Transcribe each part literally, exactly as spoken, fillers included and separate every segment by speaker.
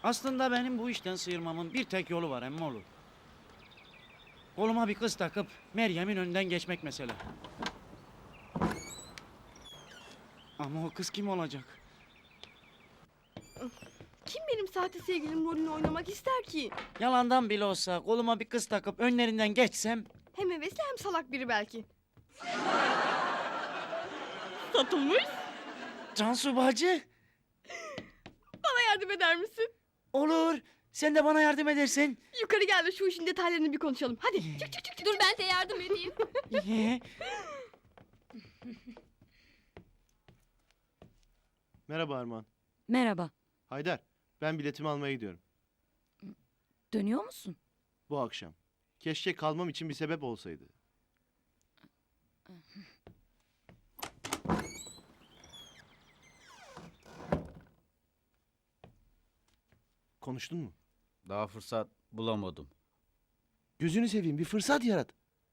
Speaker 1: Aslında benim bu işten sıyırmamın bir tek yolu var emmoğlu. Koluma bir kız takıp Meryem'in önünden geçmek mesele. Ama o kız kim olacak?
Speaker 2: Kim benim sahte sevgilim rolünü oynamak ister ki?
Speaker 1: Yalandan bile olsa koluma bir kız takıp önlerinden geçsem...
Speaker 2: Hem hevesli hem salak biri belki. Satılmış.
Speaker 1: Cansu bacı,
Speaker 2: Bana yardım eder misin?
Speaker 1: olur. Sen de bana yardım edersin.
Speaker 2: Yukarı gel de şu işin detaylarını bir konuşalım. Hadi çık çık çık. çık.
Speaker 3: Dur ben de yardım edeyim.
Speaker 4: Merhaba Armağan.
Speaker 5: Merhaba.
Speaker 4: Haydar, ben biletimi almaya gidiyorum.
Speaker 5: Dönüyor musun?
Speaker 4: Bu akşam. Keşke kalmam için bir sebep olsaydı. Konuştun mu?
Speaker 6: Daha fırsat bulamadım.
Speaker 4: Gözünü seveyim, bir fırsat yarat.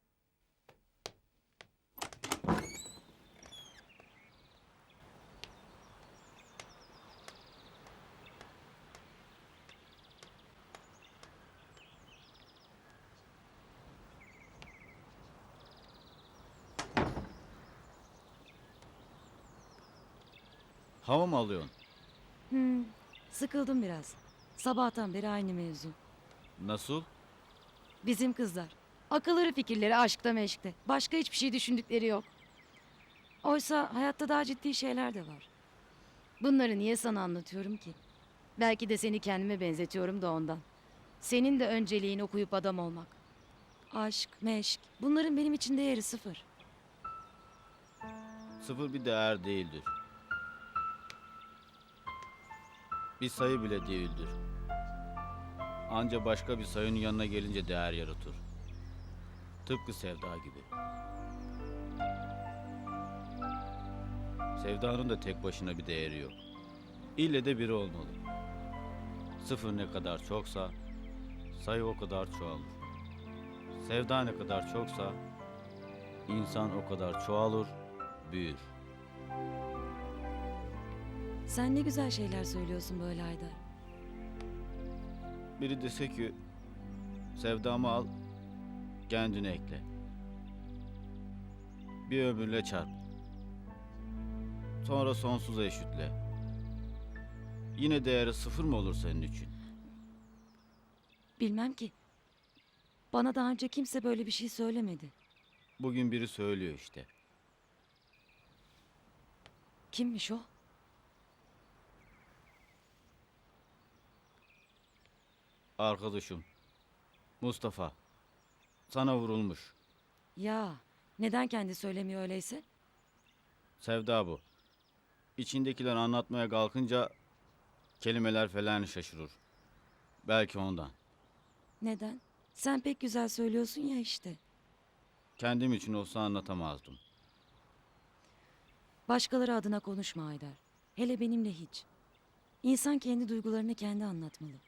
Speaker 6: Hava mı alıyorsun?
Speaker 5: Hmm, sıkıldım biraz. Sabahtan beri aynı mevzu.
Speaker 6: Nasıl?
Speaker 5: Bizim kızlar. Akılları fikirleri aşkta meşkte. Başka hiçbir şey düşündükleri yok. Oysa hayatta daha ciddi şeyler de var. Bunları niye sana anlatıyorum ki? Belki de seni kendime benzetiyorum da ondan. Senin de önceliğin okuyup adam olmak. Aşk, meşk. Bunların benim için değeri sıfır.
Speaker 6: Sıfır bir değer değildir. Bir sayı bile değildir. Anca başka bir sayının yanına gelince değer yaratır. Tıpkı sevda gibi. Sevdanın da tek başına bir değeri yok. İlle de biri olmalı. Sıfır ne kadar çoksa sayı o kadar çoğalır. Sevda ne kadar çoksa insan o kadar çoğalır, büyür.
Speaker 5: Sen ne güzel şeyler söylüyorsun böyle Haydar.
Speaker 6: Biri dese ki sevdamı al, kendine ekle. Bir ömürle çarp. Sonra sonsuza eşitle. Yine değeri sıfır mı olur senin için?
Speaker 5: Bilmem ki. Bana daha önce kimse böyle bir şey söylemedi.
Speaker 6: Bugün biri söylüyor işte.
Speaker 5: Kimmiş o?
Speaker 6: Arkadaşım Mustafa sana vurulmuş.
Speaker 5: Ya neden kendi söylemiyor öyleyse?
Speaker 6: Sevda bu. İçindekiler anlatmaya kalkınca kelimeler falan şaşırır. Belki ondan.
Speaker 5: Neden? Sen pek güzel söylüyorsun ya işte.
Speaker 6: Kendim için olsa anlatamazdım.
Speaker 5: Başkaları adına konuşma Haydar. Hele benimle hiç. İnsan kendi duygularını kendi anlatmalı.